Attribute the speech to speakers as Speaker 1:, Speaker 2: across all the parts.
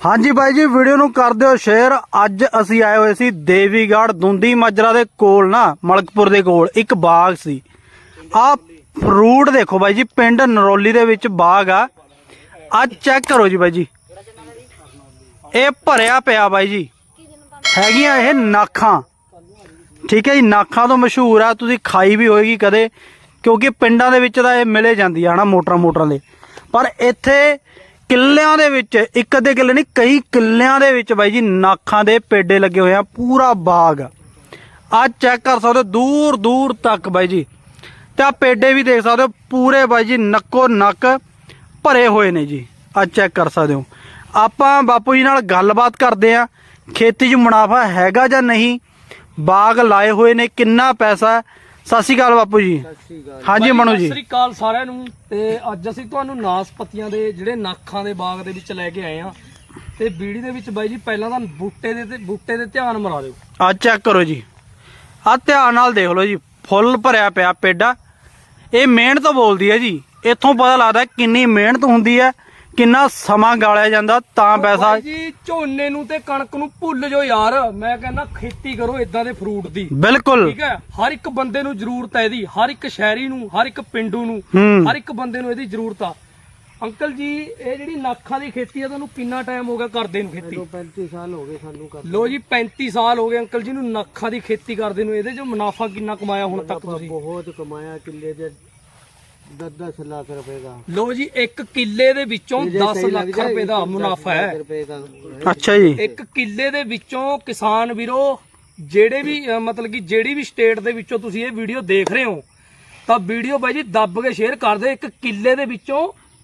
Speaker 1: हाँ जी by ji video नूं कर दिओ शेयर। अज असी आए हुए सी देवीगढ़ दुंदी माजरा दे कोल ना मलकपुर दे कोल एक बाग सी। आ फ्रूट देखो बाई जी, पिंड नरौली दे विच बाग आ। अज चेक करो जी बाई जी, ये भरिया पिया बाई जी। हैगियां ये नाखां, ठीक है जी, नाखां तो मशहूर आ, तुसीं खाई भी होएगी कदे, क्योंकि पिंडां दे विच तां ये मिले जांदी आ ना मोटरां दे। पर इत्थे किल्लियां दे विच, एक अद्धे किल्ले नहीं कई किल्लियां दे विच बाई जी नाखां दे पेडे लगे हुए हैं। पूरा बाग आज चेक कर सकते हो दूर दूर तक बाई जी। ते आ पेडे भी देख सकते हो पूरे बाई जी नक्को नक भरे हुए ने जी। आज चेक कर सकते हो। आपां बापू जी नाल गलबात करदे आ, खेती च मुनाफा हैगा जां नहीं, बाग लाए हुए ने, किन्ना पैसा है। सत श्री अकाल बापू जी। हाँ जी मनु जी।
Speaker 2: ਸਤਿ ਸ੍ਰੀ ਅਕਾਲ ਸਾਰਿਆਂ ਨੂੰ। ਤੇ ਅੱਜ ਅਸੀਂ ਤੁਹਾਨੂੰ ਨਾਸਪਤੀਆਂ ਦੇ ਜਿਹੜੇ ਨਾਖਾਂ ਦੇ ਬਾਗ ਦੇ ਵਿੱਚ ਲੈ ਕੇ ਆਏ ਆ। ਤੇ ਵੀਡੀਓ ਦੇ ਵਿੱਚ ਬਾਈ ਜੀ ਪਹਿਲਾਂ ਤਾਂ ਬੂਟੇ ਦੇ ਧਿਆਨ ਮਰਾ ਦਿਓ।
Speaker 1: ਆ ਚੈੱਕ ਕਰੋ ਜੀ, ਆ ਧਿਆਨ ਨਾਲ ਦੇਖ ਲਓ ਜੀ, ਫੁੱਲ ਭਰਿਆ ਪਿਆ ਪੇਡਾ। ਇਹ ਮਿਹਨਤ ਬੋਲਦੀ ਹੈ ਜੀ। ਇੱਥੋਂ ਪਤਾ ਲੱਗਦਾ ਕਿੰਨੀ ਮਿਹਨਤ ਹੁੰਦੀ ਹੈ, ਕਿੰਨਾ ਸਮਾਂ ਗਾਲਿਆ ਜਾਂਦਾ ਤਾਂ ਪੈਸਾ।
Speaker 2: ਜੀ ਝੋਨੇ ਨੂੰ ਤੇ ਕਣਕ ਨੂੰ ਭੁੱਲ ਜਾਓ ਯਾਰ, ਮੈਂ ਕਹਿੰਦਾ ਖੇਤੀ ਕਰੋ ਇਦਾਂ ਦੇ ਫਰੂਟ ਦੀ।
Speaker 1: ਬਿਲਕੁਲ
Speaker 2: ਠੀਕ ਹੈ, ਹਰ ਇੱਕ ਬੰਦੇ ਨੂੰ ਜ਼ਰੂਰਤ ਹੈ ਇਹਦੀ, ਹਰ ਇੱਕ ਸ਼ਹਿਰੀ ਨੂੰ, ਹਰ ਇੱਕ ਪਿੰਡੂ ਨੂੰ, ਹਰ ਇੱਕ ਬੰਦੇ ਨੂੰ ਇਹਦੀ ਜ਼ਰੂਰਤ ਆ। ਅੰਕਲ ਜੀ ਇਹ ਜਿਹੜੀ ਨਾਖਾਂ ਦੀ ਖੇਤੀ ਆ ਤੁਹਾਨੂੰ ਕਿੰਨਾ ਟਾਈਮ ਹੋ ਗਿਆ ਕਰਦੇ ਨੂੰ ਖੇਤੀ?
Speaker 3: 35 ਸਾਲ ਹੋ ਗਏ ਸਾਨੂੰ ਕਰਦੇ।
Speaker 2: ਲੋ ਜੀ 35 ਸਾਲ ਹੋ ਗਏ ਅੰਕਲ ਜੀ ਨੂੰ ਨਾਖਾਂ ਦੀ ਖੇਤੀ ਕਰਦੇ ਨੂੰ। ਇਹਦੇ ਜੋ ਮੁਨਾਫਾ ਕਿੰਨਾ ਕਮਾਇਆ ਹੁਣ ਤੱਕ ਤੁਸੀਂ?
Speaker 3: ਬਹੁਤ ਕਮਾਇਆ, ਕਿੱਲੇ ਦੇ 10 ਲੱਖ ਰੁਪਏ ਦਾ।
Speaker 2: ਲੋ ਜੀ ਇੱਕ ਕਿੱਲੇ ਦੇ ਵਿੱਚੋਂ 10 ਲੱਖ ਰੁਪਏ ਦਾ ਮੁਨਾਫਾ ਹੈ।
Speaker 1: ਅੱਛਾ ਜੀ।
Speaker 2: ਇੱਕ ਕਿੱਲੇ ਦੇ ਵਿੱਚੋਂ ਕਿਸਾਨ ਵੀਰੋ ਜਿਹੜੇ ਵੀ ਮਤਲਬ ਕਿ ਜਿਹੜੀ ਵੀ ਸਟੇਟ ਦੇ ਵਿੱਚੋਂ ਤੁਸੀਂ ਇਹ ਵੀਡੀਓ ਦੇਖ ਰਹੇ ਹੋ ਤਾਂ ਵੀਡੀਓ ਬਾਈ ਜੀ ਦੱਬ ਕੇ ਸ਼ੇਅਰ ਕਰ ਦਿਓ। ਇੱਕ ਕਿੱਲੇ ਦੇ ਵਿੱਚੋਂ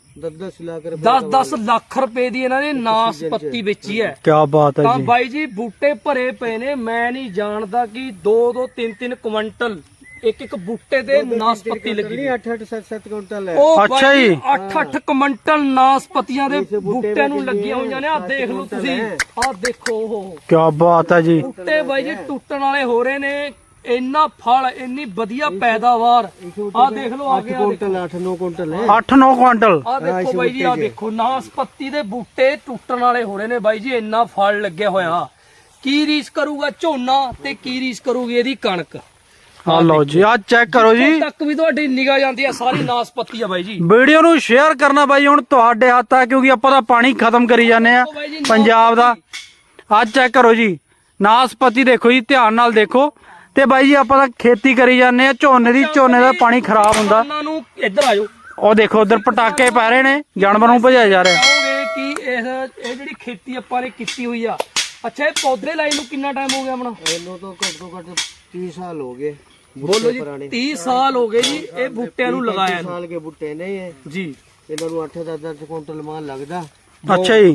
Speaker 2: 10 ਲੱਖ ਰੁਪਏ ਦੀ ਇਹਨਾਂ ਨੇ ਨਾਸਪਤੀ ਵੇਚੀ ਹੈ।
Speaker 1: ਕੀ ਬਾਤ ਹੈ
Speaker 2: ਤਾਂ
Speaker 1: ਜੀ।
Speaker 2: ਬਾਈ ਜੀ ਬੂਟੇ ਭਰੇ ਪਏ ਨੇ, ਮੈਂ ਨਹੀਂ ਜਾਣਦਾ ਕਿ 2-2 3-3 ਕੁਇੰਟਲ ਇੱਕ ਬੂਟੇ ਤੇ ਨਾਸਪਤੀ ਲੱਗੀ।
Speaker 3: 8-8 7-7 ਕੁਇੰਟਲ ਹੈ।
Speaker 2: ਉਹ
Speaker 1: ਅੱਛਾ ਜੀ।
Speaker 2: 8-8 ਕੁਇੰਟਲ ਨਾਸਪਤੀਆਂ ਦੇ ਬੂਟਿਆਂ ਨੂੰ ਲੱਗੀਆਂ ਹੋਈਆਂ ਨੇ। ਆਹ ਦੇਖ ਲਓ ਤੁਸੀਂ, ਆਹ ਦੇਖੋ ਉਹ
Speaker 1: ਕੀ ਬਾਤ ਹੈ ਜੀ।
Speaker 2: ਬੂਟੇ ਬਾਈ ਜੀ ਟੁੱਟਣ ਵਾਲੇ ਹੋ ਰਹੇ ਨੇ। ਇੰਨਾ ਫਲ, ਇੰਨੀ ਵਧੀਆ ਪੈਦਾਵਾਰ। ਆਹ ਦੇਖ ਲਓ ਆ ਗਿਆ
Speaker 3: 8-9 ਕੁਇੰਟਲ ਹੈ।
Speaker 1: 8-9 ਕੁਇੰਟਲ।
Speaker 2: ਆਹ ਦੇਖੋ ਬਾਈ ਜੀ, ਆਹ ਦੇਖੋ ਨਾਸਪਤੀ ਦੇ ਬੂਟੇ ਟੁੱਟਣ ਵਾਲੇ ਹੋ ਰਹੇ ਨੇ ਬਾਈ ਜੀ। ਇੰਨਾ ਫਲ ਲੱਗਿਆ ਹੋਇਆ। ਕੀ ਰੀਸ ਕਰੂਗਾ ਝੋਨਾ ਤੇ ਕੀ ਰੀਸ ਕਰੂਗੀ ਇਹਦੀ ਕਣਕ।
Speaker 1: ਆ ਲਓ ਜੀ, ਆ ਚੈੱਕ ਕਰੋ ਜੀ।
Speaker 2: ਤੱਕ ਵੀ ਤੁਹਾਡੀ ਨਿਗਾਹ ਜਾਂਦੀ ਆ ਸਾਰੀ ਨਾਸਪਤੀ ਆ ਬਾਈ ਜੀ।
Speaker 1: ਵੀਡੀਓ ਨੂੰ ਸ਼ੇਅਰ ਕਰਨਾ ਬਾਈ ਹੁਣ ਤੁਹਾਡੇ ਹੱਥ ਆ, ਕਿਉਂਕਿ ਆਪਾਂ ਤਾਂ ਪਾਣੀ ਖਤਮ ਕਰੀ ਜਾਂਦੇ ਆ ਪੰਜਾਬ ਦਾ। ਆ ਚੈੱਕ ਕਰੋ ਜੀ, ਨਾਸਪਤੀ ਦੇਖੋ ਜੀ, ਧਿਆਨ ਨਾਲ ਦੇਖੋ। ਤੇ ਬਾਈ ਜੀ ਆਪਾਂ ਤਾਂ ਖੇਤੀ ਕਰੀ ਜਾਂਦੇ ਆ ਝੋਨੇ ਦੀ, ਝੋਨੇ ਦਾ ਪਾਣੀ ਖਰਾਬ ਹੁੰਦਾ।
Speaker 2: ਉਹਨਾਂ ਨੂੰ ਇੱਧਰ ਆਜੋ,
Speaker 1: ਉਹ ਦੇਖੋ ਉਧਰ ਪਟਾਕੇ ਪੈ ਰਹੇ ਨੇ, ਜਾਨਵਰ ਨੂੰ ਭਜਾਇਆ ਜਾ ਰਿਹਾ।
Speaker 2: ਕਹੋਗੇ ਕਿ ਇਹ ਜਿਹੜੀ ਖੇਤੀ ਆਪਾਂ ਨੇ ਕੀਤੀ ਹੋਈ ਆ, ਅੱਛਾ ਇਹ ਪੌਦੇ ਲਾਈ ਨੂੰ ਕਿੰਨਾ ਟਾਈਮ ਹੋ ਗਿਆ ਆਪਣਾ?
Speaker 3: ਇਹਨੂੰ ਤਾਂ ਘੱਟੋ ਘੱਟ 30 ਸਾਲ ਹੋ ਗਏ।
Speaker 2: ਬੋਲੋ ਜੀ 30 ਸਾਲ ਹੋ ਗਏ ਜੀ ਇਹ ਬੂਟਿਆਂ ਨੂੰ ਲਗਾਇਆ ਨੂੰ।
Speaker 3: ਸਾਲ ਕੇ ਬੂਟੇ ਨਹੀਂ ਹੈ
Speaker 2: ਜੀ।
Speaker 3: ਇਹਨਾਂ ਨੂੰ 8-10 ਕੁਇੰਟਲ ਮਾਲ ਲੱਗਦਾ।
Speaker 1: ਅੱਛਾ ਜੀ।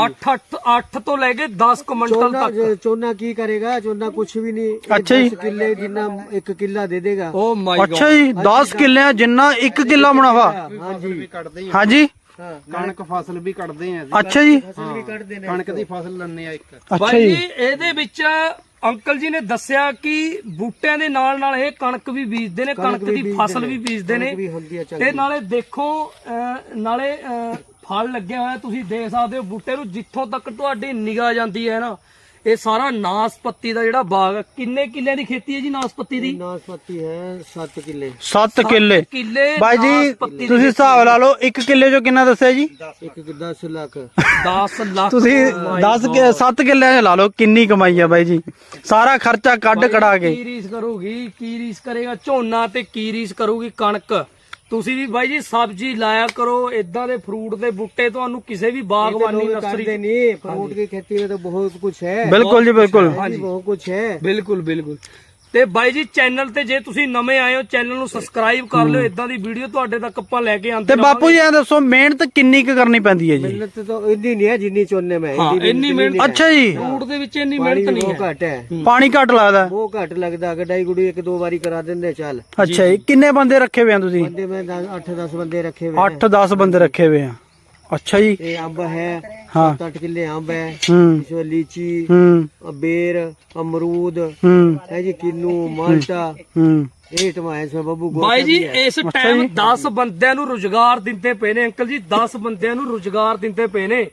Speaker 2: 8 ਤੋਂ ਲੈ ਕੇ 10 ਕੁਇੰਟਲ ਤੱਕ।
Speaker 3: ਚੋਨਾ ਕੀ ਕਰੇਗਾ? ਚੋਨਾ ਕੁਛ ਵੀ ਨਹੀਂ।
Speaker 1: ਅੱਛਾ ਜੀ।
Speaker 3: 10 ਕਿੱਲੇ ਜਿੰਨਾ 1 ਕਿੱਲਾ ਦੇ ਦੇਗਾ।
Speaker 2: Oh my god.
Speaker 1: ਅੱਛਾ ਜੀ, 10 ਕਿੱਲਿਆਂ ਜਿੰਨਾ 1 ਕਿੱਲਾ ਮੁਨਾਫਾ।
Speaker 3: ਹਾਂਜੀ
Speaker 1: ਹਾਂਜੀ।
Speaker 4: ਕਣਕ ਫਸਲ ਵੀ ਕੱਢਦੇ ਆ।
Speaker 1: ਅੱਛਾ ਜੀ।
Speaker 4: ਕਣਕ ਦੀ ਫਸਲ ਲੈਣੇ ਆ ਇੱਕ।
Speaker 1: ਅੱਛਾ
Speaker 2: ਬਾਈ
Speaker 1: ਜੀ।
Speaker 2: ਜੀ ਇਹਦੇ ਵਿੱਚ ਅੰਕਲ ਜੀ ਨੇ ਦੱਸਿਆ ਕਿ ਬੂਟਿਆਂ ਦੇ ਨਾਲ ਨਾਲ ਇਹ ਕਣਕ ਵੀ ਬੀਜਦੇ ਨੇ, ਕਣਕ ਦੀ ਫਸਲ ਵੀ ਬੀਜਦੇ ਨੇ। ਤੇ ਨਾਲੇ ਦੇਖੋ ਨਾਲੇ ਫਲ ਲੱਗਿਆ ਹੋਇਆ ਤੁਸੀਂ ਦੇਖ ਸਕਦੇ ਹੋ ਬੂਟੇ ਨੂੰ। ਜਿੱਥੋਂ ਤੱਕ ਤੁਹਾਡੀ ਨਿਗਾਹ ਜਾਂਦੀ ਹੈ ਨਾ, ਇਹ ਸਾਰਾ ਨਾਸਪਤੀ ਦਾ ਜਿਹੜਾ ਬਾਗ। ਕਿੰਨੇ ਕਿੱਲਿਆਂ ਦੀ ਖੇਤੀ ਹੈ ਜੀ ਨਾਸਪਤੀ ਦੀ?
Speaker 3: ਨਾਸਪਤੀ ਹੈ 7 ਕਿੱਲੇ।
Speaker 1: 7 ਕਿੱਲੇ
Speaker 2: ਕਿੱਲੇ
Speaker 1: ਬਾਈ ਜੀ।
Speaker 2: ਨਾਸਪਤੀ ਦੀ
Speaker 1: ਤੁਸੀਂ ਹਿਸਾਬ ਲਾ ਲਓ 1 ਕਿੱਲੇ ਚੋਂ ਕਿੰਨਾ ਦੱਸਿਆ ਜੀ?
Speaker 3: 10 ਲੱਖ।
Speaker 2: 10 ਲੱਖ।
Speaker 1: ਤੁਸੀਂ 7 ਕਿੱਲਿਆਂ ਚ ਲਾ ਲਓ ਕਿੰਨੀ ਕਮਾਈ ਆ ਬਾਈ ਜੀ। ਸਾਰਾ ਖਰਚਾ ਕੱਢ ਕਢਾ ਕੇ।
Speaker 2: ਕੀ ਰੀਸ ਕਰੂਗੀ, ਕੀ ਰੀਸ ਕਰੇਗਾ ਝੋਨਾ ਤੇ ਕੀ ਰੀਸ ਕਰੂਗੀ ਕਣਕ। ਤੁਸੀਂ ਵੀ ਬਾਈ ਜੀ ਸਬਜ਼ੀ ਲਾਇਆ ਕਰੋ। ਇਦਾਂ ਦੇ ਫਰੂਟ ਦੇ ਬੂਟੇ ਤੁਹਾਨੂੰ ਕਿਸੇ ਵੀ ਬਾਗਬਾਨੀ ਨਰਸਰੀ
Speaker 3: नहीं, फ्रूट की खेती में तो बहुत कुछ है।
Speaker 1: ਬਿਲਕੁਲ ਜੀ ਬਿਲकुल।
Speaker 3: बहुत कुछ है।
Speaker 2: ਬਿਲਕੁਲ ਬਿਲਕੁਲ। ਤੇ ਬਾਈ ਜੀ ਚੈਨਲ ਤੇ ਜੇ ਤੁਸੀਂ ਨਵੇਂ ਆਏ ਹੋ ਚੈਨਲ ਨੂੰ ਸਬਸਕ੍ਰਾਈਬ ਕਰ ਲਿਓ। ਇਦਾਂ ਦੀ ਵੀਡੀਓ ਤੁਹਾਡੇ ਤੱਕ ਆਪਾਂ ਲੈ ਕੇ ਆਉਂਦੇ
Speaker 1: ਤੇ ਬਾਪੂ ਜੀ ਐ ਦੱਸੋ ਮਿਹਨਤ ਕਿੰਨੀ ਕੁ ਕਰਨੀ ਪੈਂਦੀ ਹੈ ਜੀ?
Speaker 3: मेहनत तो इतनी नहीं है जितनी चोने में है।
Speaker 2: ਹਾਂ ਇੰਨੀ ਮਿਹਨਤ।
Speaker 1: ਅੱਛਾ ਜੀ।
Speaker 2: ਫਰੂਟ ਦੇ ਵਿੱਚ ਇੰਨੀ ਮਿਹਨਤ ਨਹੀਂ
Speaker 3: वो
Speaker 2: ਹੈ।
Speaker 3: घट है।
Speaker 1: ਪਾਣੀ ਘੱਟ ਲੱਗਦਾ।
Speaker 3: वो घट लगता। गडाई गुड़ी 1-2 बारी करा देंगे चल।
Speaker 1: ਅੱਛਾ ਜੀ। ਕਿੰਨੇ ਬੰਦੇ ਰੱਖੇ ਹੋਏ ਆ ਤੁਸੀਂ?
Speaker 3: बंदे में 8-10 बंदे रखे हुए हैं।
Speaker 1: 8-10 ਬੰਦੇ ਰੱਖੇ ਹੋਏ ਆ। अच्छा जी।
Speaker 3: ये अंब है।
Speaker 1: हाँ।
Speaker 3: 7-8 किले अंब है।
Speaker 1: हम्म
Speaker 3: इसमें लीची,
Speaker 1: हम्म
Speaker 3: बेर, अमरूद है जी, किन्नू, माल्टा। ਇਹ ਟਮਾਏ ਸੇ ਬੱਬੂ
Speaker 2: ਬਾਈ ਜੀ ਇਸ ਟਾਈਮ 10 ਬੰਦਿਆਂ ਨੂੰ ਰੁਜ਼ਗਾਰ ਦਿੰਦੇ ਪਏ ਨੇ ਅੰਕਲ ਜੀ। 10 ਬੰਦਿਆਂ ਨੂੰ ਰੁਜ਼ਗਾਰ ਦਿੰਦੇ ਪਏ ਨੇ।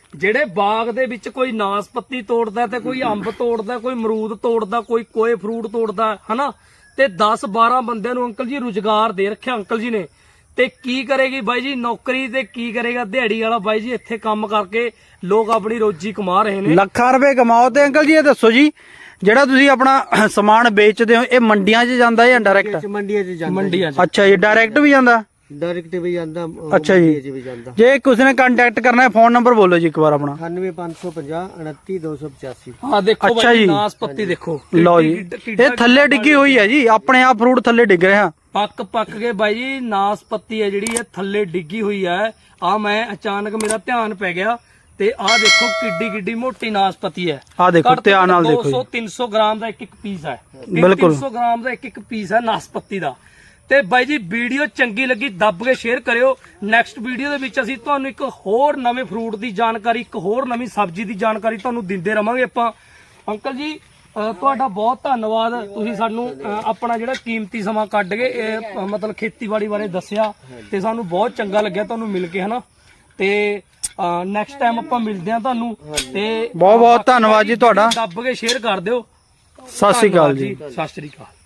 Speaker 2: ਜਿਹੜੇ ਬਾਗ ਦੇ ਵਿੱਚ ਕੋਈ ਨਾਸਪਤੀ ਤੋੜਦਾ ਤੇ ਕੋਈ ਅੰਬ ਤੋੜਦਾ, ਕੋਈ ਅਮਰੂਦ ਤੋੜਦਾ, ਕੋਈ ਕੋਏ ਫਰੂਟ ਤੋੜਦਾ, ਹਨਾ, ਤੇ 10-12 ਬੰਦਿਆਂ ਨੂੰ ਅੰਕਲ ਜੀ ਰੁਜ਼ਗਾਰ ਦੇ ਰੱਖਿਆ ਅੰਕਲ ਜੀ ਨੇ। ਤੇ ਕੀ ਕਰੇਗੀ ਬਾਈ ਜੀ ਨੌਕਰੀ, ਤੇ ਕੀ ਕਰੇਗਾ ਦਿਹਾੜੀ ਵਾਲਾ ਬਾਈ ਜੀ? ਇੱਥੇ ਕੰਮ ਕਰਕੇ ਲੋਕ ਆਪਣੀ ਰੋਜੀ ਕਮਾ ਰਹੇ ਨੇ,
Speaker 1: ਲੱਖਾਂ ਰੁਪਏ ਕਮਾਓ। ਤੇ ਅੰਕਲ ਜੀ ਇਹ ਦੱਸੋ ਜੀ, ਜਿਹੜਾ ਤੁਸੀਂ ਆਪਣਾ ਸਮਾਨ ਵੇਚਦੇ ਹੋ ਇਹ ਮੰਡੀਆਂ 'ਚ ਜਾਂਦਾ ਜਾਂ ਡਾਇਰੈਕਟ?
Speaker 3: ਮੰਡੀਆਂ 'ਚ ਜਾਂਦਾ,
Speaker 2: ਮੰਡੀਆਂ 'ਚ।
Speaker 1: ਅੱਛਾ ਜੀ, ਡਾਇਰੈਕਟ ਵੀ ਜਾਂਦਾ?
Speaker 3: ਡਾਇਰੈਕਟ ਵੀ ਜਾਂਦਾ,
Speaker 1: ਅੱਛਾ ਜੀ।
Speaker 3: ਮੰਡੀਆਂ 'ਚ ਵੀ ਜਾਂਦਾ।
Speaker 1: ਜੇ ਕਿਸੇ ਨੇ ਕੰਟੈਕਟ ਕਰਨਾ ਹੈ, ਫੋਨ ਨੰਬਰ ਬੋਲੋ ਜੀ ਇੱਕ ਵਾਰ ਆਪਣਾ।
Speaker 3: 98550 29285।
Speaker 2: ਹਾਂ ਦੇਖੋ
Speaker 1: ਅੱਛਾ
Speaker 2: ਬਾਈ
Speaker 1: ਜੀ।
Speaker 2: ਨਾਸਪਤੀ ਦੇਖੋ,
Speaker 1: ਲਓ ਜੀ, ਇਹ ਥੱਲੇ ਡਿੱਗੀ ਹੋਈ ਹੈ ਜੀ, ਆਪਣੇ ਆਪ ਫਰੂਟ ਥੱਲੇ ਡਿੱਗ ਰਿਹਾ।
Speaker 2: ਪੱਕ ਕੇ ਬਾਈ ਜੀ ਨਾਸਪਤੀ ਹੈ ਜਿਹੜੀ ਇਹ ਥੱਲੇ ਡਿੱਗੀ ਹੋਈ ਹੈ। ਆ ਮੈਂ ਅਚਾਨਕ ਮੇਰਾ ਧਿਆਨ ਪੈ ਗਿਆ ਤੇ ਆਹ ਦੇਖੋ ਕਿੱਡੀ ਮੋਟੀ ਨਾਸਪਤੀ ਹੈ।
Speaker 1: ਆਹ ਦੇਖੋ, ਧਿਆਨ ਨਾਲ ਦੇਖੋ ਜੀ।
Speaker 2: 200-300 ਗ੍ਰਾਮ ਦਾ ਇੱਕ ਪੀਸ ਹੈ।
Speaker 1: ਬਿਲਕੁਲ
Speaker 2: 300 ਗ੍ਰਾਮ ਦਾ ਇੱਕ ਪੀਸ ਹੈ ਨਾਸਪਤੀ ਦਾ। ਤੇ ਬਾਈ ਜੀ ਵੀਡੀਓ ਚੰਗੀ ਲੱਗੀ ਦੱਬ ਕੇ ਸ਼ੇਅਰ ਕਰਿਓ। ਨੈਕਸਟ ਵੀਡੀਓ ਦੇ ਵਿੱਚ ਅਸੀਂ ਤੁਹਾਨੂੰ ਇੱਕ ਹੋਰ ਨਵੇਂ ਫਰੂਟ ਦੀ ਜਾਣਕਾਰੀ, ਇੱਕ ਹੋਰ ਨਵੀਂ ਸਬਜ਼ੀ ਦੀ ਜਾਣਕਾਰੀ ਤੁਹਾਨੂੰ ਦਿੰਦੇ ਰਵਾਂਗੇ ਆਪਾਂ। ਅੰਕਲ ਜੀ ਤੁਹਾਡਾ ਬਹੁਤ ਧੰਨਵਾਦ, ਤੁਸੀਂ ਸਾਨੂੰ ਆਪਣਾ ਜਿਹੜਾ ਕੀਮਤੀ ਸਮਾਂ ਕੱਢ ਕੇ ਇਹ ਮਤਲਬ ਖੇਤੀਬਾੜੀ ਬਾਰੇ ਦੱਸਿਆ ਤੇ ਸਾਨੂੰ ਬਹੁਤ ਚੰਗਾ ਲੱਗਿਆ ਤੁਹਾਨੂੰ ਮਿਲ ਕੇ, ਹਨਾ। ਤੇ ਨੈਕਸਟ ਟਾਈਮ ਆਪਾਂ ਮਿਲਦੇ ਹਾਂ ਤੁਹਾਨੂੰ। ਤੇ
Speaker 1: ਬਹੁਤ ਧੰਨਵਾਦ ਜੀ ਤੁਹਾਡਾ।
Speaker 2: ਦੱਬ ਕੇ ਸ਼ੇਅਰ ਕਰ ਦਿਓ।
Speaker 1: ਸਤਿ ਸ਼੍ਰੀ ਅਕਾਲ ਜੀ।
Speaker 2: ਸਤਿ ਸ਼੍ਰੀ ਅਕਾਲ।